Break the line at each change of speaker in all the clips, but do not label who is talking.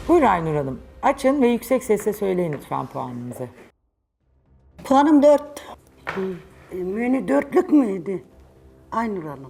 Buyurun Aynur Hanım. Açın ve yüksek sesle söyleyin lütfen puanınızı.
Puanım 4.
Menü dörtlük müydü? Aynur Hanım.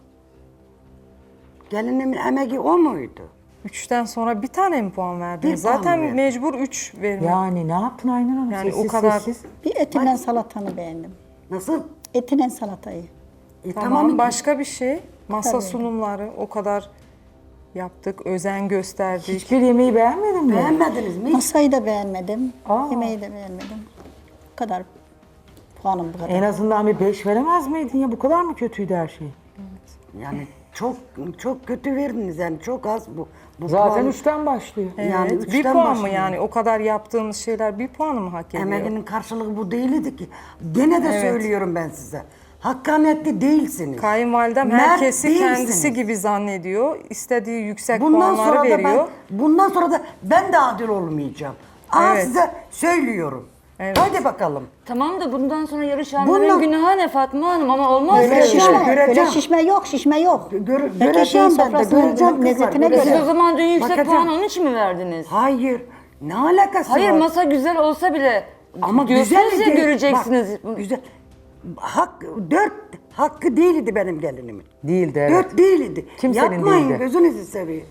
Gelinimin emeği o muydu?
3'ten sonra bir tane mi puan verdiniz?
Bir puan
Zaten
verdim.
mecbur 3 vermek.
Yani ne yaptın Aynur Hanım?
Yani
Sessiz
o kadar-
sessiz.
Bir etinden salatanı beğendim.
Nasıl?
Etinen salatayı.
Tamam, başka bir şey. Masa
Tabii.
sunumları o kadar yaptık, özen gösterdik.
Hiçbir yemeği beğenmedin mi?
Beğenmediniz mi?
Masayı da beğenmedim.
Aa.
Yemeği de beğenmedim. Bu kadar. Puanım bu kadar.
En azından bir 5 veremez miydin ya? Bu kadar mı kötüydü her şey?
Yani çok kötü verdiniz yani çok az bu
Zaten
puan.
3'ten başlıyor.
Evet,
Yani
bir
üçten
puan mı
başlıyor.
yani? O kadar yaptığımız şeyler bir puanı mı hak ediyor?
Emeğinin karşılığı bu değildi ki. Gene de söylüyorum ben size. Hakkaniyetli değilsiniz.
Kayınvalidem
Mert
herkesi
değilsiniz.
kendisi gibi zannediyor. İstediği yüksek
Bundan
puanları
sonra da
veriyor.
bundan sonra da ben de adil olmayacağım. Aa,
Evet.
size söylüyorum.
Evet.
Hadi bakalım.
Tamam da bundan sonra yarışanların
Bundan-
günahı ne Fatma Hanım ama olmaz
Öyle
böyle.
şişme.
şişme,
göreceğim.
öyle şişme yok, şişme yok.
Göreceğim
Herkes
ben de,
sofrasının
göreceğim kızlar,
lezzetine
göreceğim.
Siz
göre.
o zaman dün yüksek
Bakacağım.
puan onun için mi verdiniz?
Hayır. Ne alakası
Hayır
var?
masa güzel olsa bile
Ama
diyorsunuz
güzel
ya göreceksiniz.
Bak, güzel. Dört hakkı değildi benim gelinimin.
Değildi evet.
Dört değildi.
Kimsenin
Yapmayın
değildi.
gözünüzü seveyim.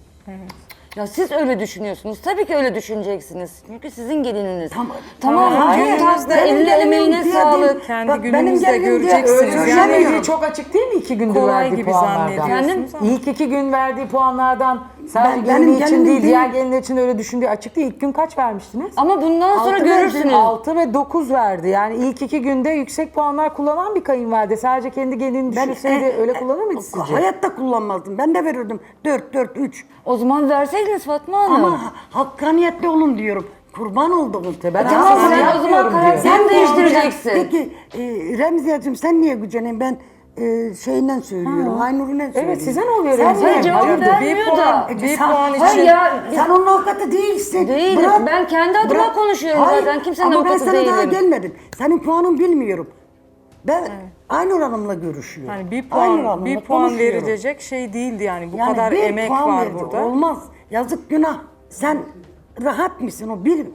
Ya siz öyle düşünüyorsunuz. Tabii ki öyle düşüneceksiniz. Çünkü sizin gelininiz.
Tamam.
Tamam.
Hayır,
Gününüzde
benim
eline
gelinim
emeğine
diye
sağlık.
değil.
Kendi
Bak, benim
gününüzde
gelinim diye
göreceksiniz.
ölçemiyorum.
Yani çok açık değil mi 2 gündür
Kolay
verdiği
gibi
puanlardan?
zannediyorsunuz ama.
İlk 2 gün verdiği puanlardan sadece
benim
gelini için
gelinim
değil,
değil.
diğer gelinler için öyle düşündüğü açık değil. İlk gün kaç vermiştiniz?
Ama bundan sonra
Altı
görürsünüz.
6 ve 9 verdi. Yani ilk 2 günde yüksek puanlar kullanan bir kayınvalide. Sadece kendi gelini düşünseydi öyle kullanır mıydı sizce?
Hayatta kullanmazdım. Ben de verirdim. 4, 4, 3.
O zaman verseydiniz Fatma Hanım.
Ama hakkaniyetli olun diyorum. Kurban olduğum.
Ben
Tamam
aslında
sen o zaman
yapmıyorum diyor.
karakterini değiştireceksin.
Peki Remziyeciğim sen niye güceneyim? Ben şeyinden söylüyorum. Aynur'undan söylüyorum.
Evet size ne oluyor
Sen
Remziye?
niye-
Hayır cevap
Hayırdır?
vermiyor da.
Bir
Sen-
puan
Hayır
için-
ya,
Sen onun avukatı değilsin.
Değilim. Ben kendi adıma konuşuyorum zaten. Kimsenin
ama
avukatı
ben sana daha
değilim.
gelmedim. Senin puanın bilmiyorum. Ben Aynur Hanım'la görüşüyorum.
Yani bir
Aynur
puan
Hanım'la
bir puan
konuşuyorum.
verilecek şey değildi yani. Bu
Yani
kadar
bir
emek
puan
var
verdi.
burada.
Olmaz. Yazık günah. Sen rahat mısın?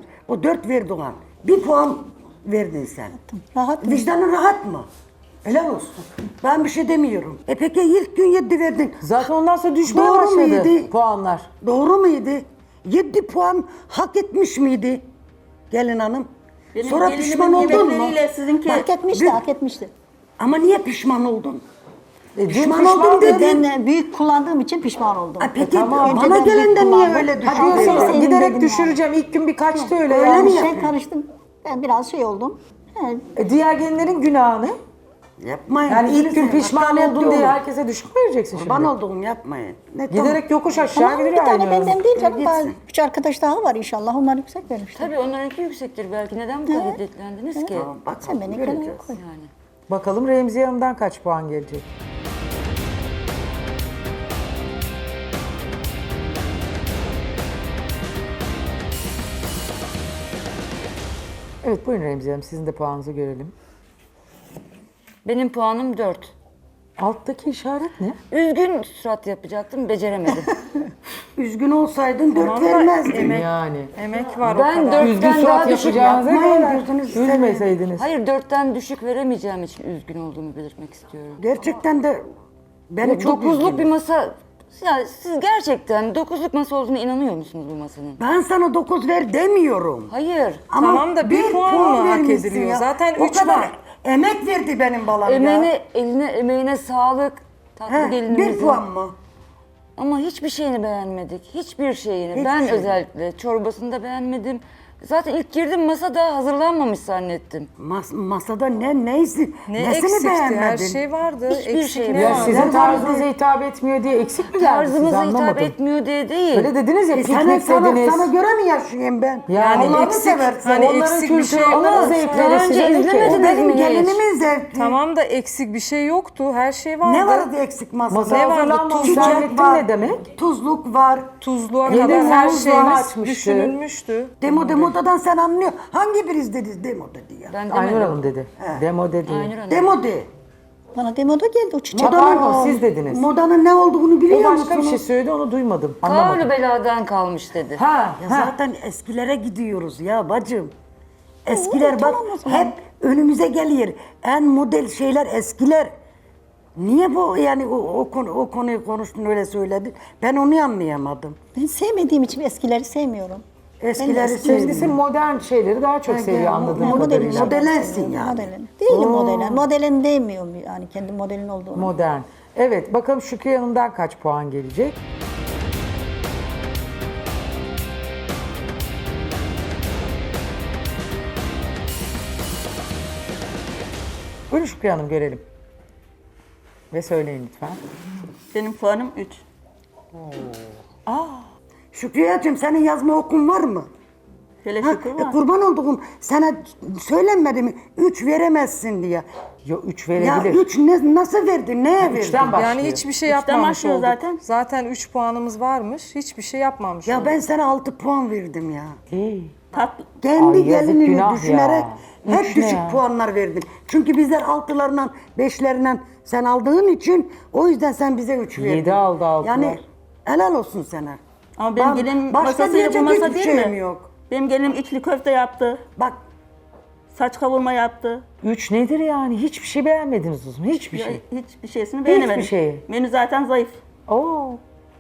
O 4 verdi ona. Bir puan verdin sen.
Rahat mı?
Vicdanın rahat mı? Helal olsun. Ben bir şey demiyorum. Peki ilk gün 7 verdin.
Zaten ondan sonra düşmeye
Doğru
başladı
muydu?
puanlar.
Doğru muydu? 7 puan hak etmiş miydi gelin hanım? Sonra pişman oldun mu?
Sizinki hak etmişti,
bir-
hak etmişti.
Ama niye pişman oldun?
Dün
Pişman oldum
pişman
dedin.
Ben büyük kullandığım için pişman oldum.
Peki
tamam.
bana
Önceden
gelen de
büyük
niye
kullandım.
öyle
Ha
düşünüyorsun?
diyorsun
Sevdim
giderek
dedim
düşüreceğim. İlk gün birkaçtı öyle
Öyle
yani.
mi
Bir
yaptın?
şey karıştım. Ben biraz şey oldum. He,
Diğer gelinlerin günahını.
Yapmayın.
Yani ilk gün
Üzülürsen,
pişman
hakkaniyetli
oldun diye
olun.
herkese düşük mü vereceksin şimdi?
Kurban olduğum yapmayın. Ne,
Giderek yokuş aşağı
Tamam, bir
gidiyor
tane
Aynur Hanım.
benden değil canım.
Gitsin.
Daha 3 arkadaş daha var inşallah. Onlar yüksek vermişler.
Tabii onlarınki yüksektir belki. Neden bu kadar şiddetlendiniz ki?
Tamam, bak,
Sen beni
göreceğiz.
kenara koy.
Yani.
Bakalım Remziye Hanım'dan kaç puan gelecek? Evet buyurun Remziye Hanım sizin de puanınızı görelim.
Benim puanım 4.
Alttaki işaret ne?
Üzgün surat yapacaktım, beceremedim.
Üzgün olsaydın 4
Tamam da
vermezdin.
Yani.
Emek var
Ben
o kadar.
dört-
Üzgün
Ben
surat
daha düşük
yapacağınıza
yapmayın,
göre
gözünüzü seveyim.
üzmeseydiniz.
Hayır 4'ten düşük veremeyeceğim için üzgün olduğumu belirtmek istiyorum.
Gerçekten de beni çok
9'luk
üzgün.
bir masa... Ya siz gerçekten 9'luk masa olduğuna inanıyor musunuz bu masanın?
Ben sana 9 ver demiyorum.
Hayır.
Ama
Tamam da bir puan mı hak
vermişsin
ediliyor?
ya.
Zaten
O
3
kadar
var.
emek verdi benim balam ya.
Emeğine sağlık. Tatlı
He,
gelinimizin.
1 puan mı?
Ama hiçbir şeyini beğenmedik. Hiçbir şeyini.
Hiçbir
Ben
şeyini.
özellikle çorbasını da beğenmedim. Zaten ilk girdim masa daha hazırlanmamış zannettim.
Masada neyse
Ne
nesini
eksikti?
beğenmedin?
Her şey vardı.
Hiçbir
Eksik
şey
ne
Ya
vardı?
sizin
Ben
tarzınıza hitap etmiyor diye eksik mi geldi size
Tarzımıza hitap
anlamadım.
etmiyor diye değil.
Öyle dediniz ya
Sana,
piknik dediniz.
sana göre mi yaşayayım ben?
Yani
Allah'ını
eksik,
seversen.
hani
onların
eksik bir
kültürü,
şey
onların
olmaz.
zevkleri
Daha
size
önce
ne ki?
izlemediniz
O benim
mi hiç?
gelinimin zevki.
Tamam da eksik bir şey yoktu. Her şey vardı.
Ne vardı eksik masada?
Masa
Ne vardı?
hazırlanmamış
Tuzluk
zannettim
var.
ne demek?
Tuzluk var.
Tuzluğa
Yeni
kadar her
mevzu
şeyimiz
açmıştı.
düşünülmüştü.
Demodadan sen anlıyor. Hangi biriz dedi demoda diye.
Ben
Aynur
demedim.
Hanım dedi. Demo dedi.
Aynur Hanım.
Demode.
Bana demoda geldi o çiçek.
Pardon, siz dediniz.
Modanın ne olduğunu
O
biliyor
başka bir
musunuz?
şey söyledi, onu duymadım.
Kavlu
Anlamadım.
beladan kalmış dedi.
Ha,
Ya
ha.
zaten eskilere gidiyoruz ya bacım. Eskiler bak
tamam o zaman.
hep önümüze geliyor. En model şeyler eskiler. Niye bu yani o konuyu konuştun öyle söyledin? Ben onu anlayamadım.
Ben sevmediğim için eskileri sevmiyorum.
Eskileri
Kendisi modern şeyleri daha çok seviyor anladığım
Yani
kadarıyla.
modelensin yani.
Modelen. Değilim modelen. Modelen demiyorum yani kendi modelin olduğunu.
Modern. Evet, bakalım Şükriye Hanım'dan kaç puan gelecek? Buyurun Şükriye Hanım, görelim. Ve söyleyin lütfen.
Benim puanım 3.
Şükriyeciğim senin yazma okun var mı?
Hele
Ha,
şükür var.
kurban olduğum sana söylenmedi mi? 3 veremezsin diye.
Yo, 3
Ya
verebilir.
3 nasıl verdin? Neye verdin?
3'ten başlıyor.
Yani hiçbir şey
Üçten
yapmamış
başlıyor
olduk.
zaten.
Zaten 3 puanımız varmış. Hiçbir şey yapmamış
Ya
olduk.
ben sana 6 puan verdim ya.
İyi.
Tatlı.
Kendi
Ay, yazık,
gelinini
günah
düşünerek
ya.
hep
Üç ne
düşük
ya?
puanlar verdin. Çünkü bizler 6'larından 5'lerinden sen aldığın için o yüzden sen bize 3 verdin.
7 aldı, altılar.
Yani helal olsun sana.
Ama benim
Ben-
gelinim
başka
masasıyla
diyecek
bu masa
hiçbir
değil
şeyim
mi?
yok.
Benim gelinim içli köfte yaptı.
Bak
Saç kavurma yaptı.
3 nedir yani? Hiçbir şey beğenmediniz o zaman. Hiçbir şey.
Hiçbir şeysini beğenemedim.
şeyi.
Menü zaten zayıf.
Oo.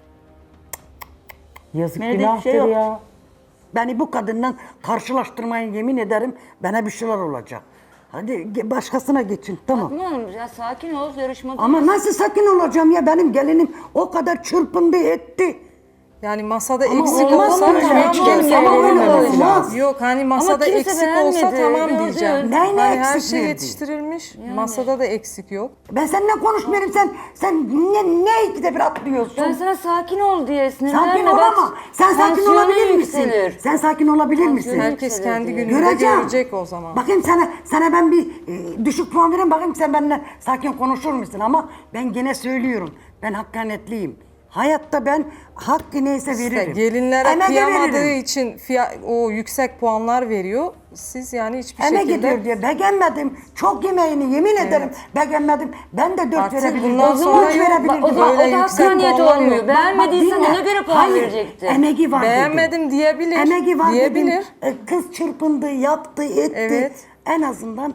Yazık,
Menüde hiçbir
günahtır
şey yok.
ya.
beni bu kadından karşılaştırmayın yemin ederim bana bir şeyler olacak. Hadi başkasına geçin tamam.
Fatma Hanım ya sakin ol, yarışmada.
Ama nasıl sakin olacağım ya benim gelinim o kadar çırpındı etti.
Yani masada
Ama
eksik
olmaz
olsa
öyle.
tamam
Hiç kimse
diyeceğim.
beğenmemesi
olmaz.
lazım.
Yok hani masada
kimse
eksik olsa
beğenmedi,
tamam
gördün.
diyeceğim.
Neyine
Hani her
eksik
şey
verdi?
yetiştirilmiş. Masada da eksik yok.
Ben seninle konuşmuyorum sen ne ikide bir atlıyorsun.
Ben sana sakin ol diye sinirlenme.
Sakin
bak,
ol ama sen sakin
tansiyonun
olabilir misin?
yükselir.
Sen sakin olabilir misin?
Herkes
yükselirdi.
kendi gününde
Göreceğim.
görecek o zaman.
Bakayım sana ben bir düşük puan vereyim bakayım sen benimle sakin konuşur musun ama ben gene söylüyorum ben hakkaniyetliyim. Hayatta ben hakkı neyse
İşte
veririm.
gelinlere
Emeğe
kıyamadığı
veririm.
için o yüksek puanlar veriyor. Siz yani hiçbir
Emek
şekilde
ediyor diye beğenmedim. Çok yemeğini yemin ederim beğenmedim. Ben de 4
Artık
verebilirdim.
bundan
üç
sonra
verebilirdim.
O zaman o
Öyle
da
yüksek
hakkaniyet
puanlar
olmuyor.
yok.
Beğenmediysen
dinle.
ona göre puan
Hayır,
verecekti.
Emeği var dedim.
beğenmedim diyebilir.
Emeği var
diyebilir.
dedim. Kız çırpındı, yaptı, etti.
Evet.
En azından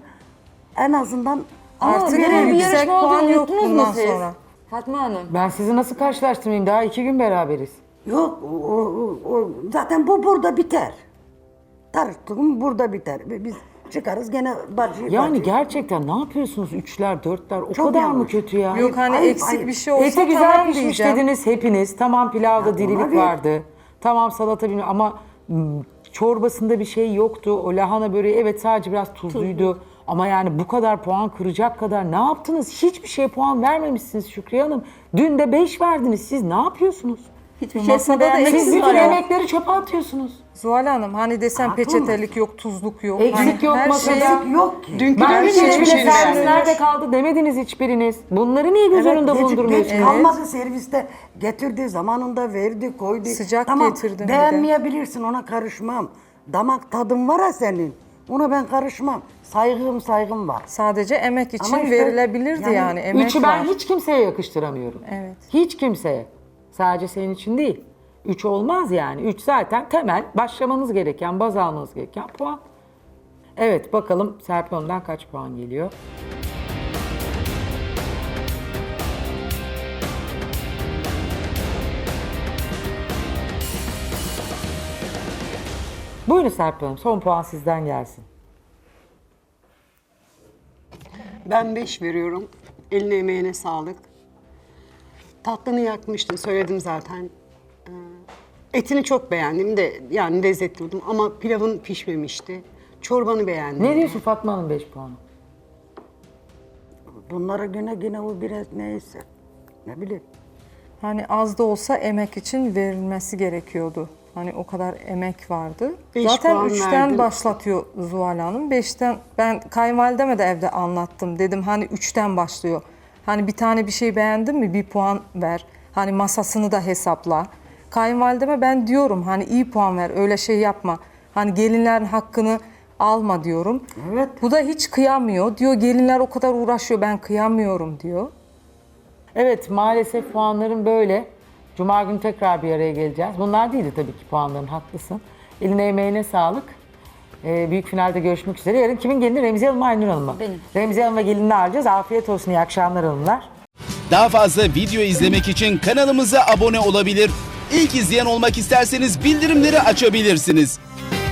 Ama
Artık
böyle bir
yüksek
yarışma
puan
olduğunu
yok
unuttunuz mu
bundan
siz?
sonra.
Fatma Hanım.
Ben sizi nasıl karşılaştırmayayım? Daha 2 gün beraberiz.
yok zaten bu burada biter. Tartıştığım burada biter. Biz çıkarız gene bacı.
Yani
bacı.
gerçekten ne yapıyorsunuz? 3'ler, 4'ler o
Çok
kadar mı
yanlış.
kötü ya?
Yok hani
ayıp,
eksik
ayıp.
bir şey olsa
Eti güzel
tamam
pişmiş
diyeceğim.
dediniz hepiniz. Tamam pilavda dirilik
tabii.
vardı. Tamam salata bilmem ama çorbasında bir şey yoktu. O lahana böreği evet sadece biraz tuzluydu. Ama yani bu kadar puan kıracak kadar ne yaptınız? Hiçbir şeye puan vermemişsiniz Şükriye Hanım. Dün de 5 verdiniz. Siz ne yapıyorsunuz?
Hiçbir
Masada
şeysini
da
beğenmedim.
Siz
eksik
bütün
var.
emekleri çöpe atıyorsunuz.
Zuhal Hanım hani desem
Haklı
peçetelik yok, tuzluk yok.
Eksik
Hani
yok
her
masada.
şey-
Eksik yok ki.
Dünkü
Ben
dönüm
hiç bile
hiçbir şey
servis
beğenmedim.
nerede kaldı demediniz hiçbiriniz. Bunları niye göz önünde
geç
bulundurmuyorsunuz?
kalmadı serviste. Getirdi zamanında verdi koydu.
Sıcak
tamam,
getirdim bir de.
beğenmeyebilirsin ona karışmam. Damak tadın var ya senin. Ona ben karışmam. Saygım var.
Sadece emek için
Ama işte
verilebilirdi
yani
yani. Emek
Üçü
var.
ben hiç kimseye yakıştıramıyorum.
Evet.
Hiç kimseye. Sadece senin için değil. 3 olmaz yani. 3 zaten temel başlamanız gereken, baz almanız gereken puan. Evet bakalım Serpil Hanım'dan kaç puan geliyor? Buyurun Serpil Hanım son puan sizden gelsin.
Ben 5 veriyorum. Eline emeğine sağlık. Tatlını yakmıştın, söyledim zaten. Etini çok beğendim de yani lezzetli buldum ama pilavın pişmemişti. Çorbanı beğendim.
Ne diyorsun Fatma Hanım 5 puanı?
Bunlara güne o biraz neyse. Ne bileyim.
Hani az da olsa emek için verilmesi gerekiyordu. Hani o kadar emek vardı.
5
Zaten
puan
3'ten
verdin.
başlatıyor Zuhal Hanım. 5'ten ben kayınvalideme de evde anlattım. Dedim hani 3'ten başlıyor. Hani bir tane bir şey beğendin mi 1 puan ver. Hani masasını da hesapla. Kayınvalideme ben diyorum hani iyi puan ver öyle şey yapma. Hani gelinlerin hakkını alma diyorum.
Evet.
Bu da hiç kıyamıyor. Diyor gelinler o kadar uğraşıyor ben kıyamıyorum diyor.
Evet, maalesef puanların böyle. Cuma günü tekrar bir araya geleceğiz. Bunlar değildi tabii ki puanların, haklısın. Eline emeğine sağlık. Büyük finalde görüşmek üzere. Yarın kimin gelini? Remziye Hanım mı, Aynur Hanım mı?
Benim.
Remziye Hanım ve gelinini ağırlayacağız. Afiyet olsun, iyi akşamlar hanımlar.
Daha fazla video izlemek için kanalımıza abone olabilir. İlk izleyen olmak isterseniz bildirimleri açabilirsiniz.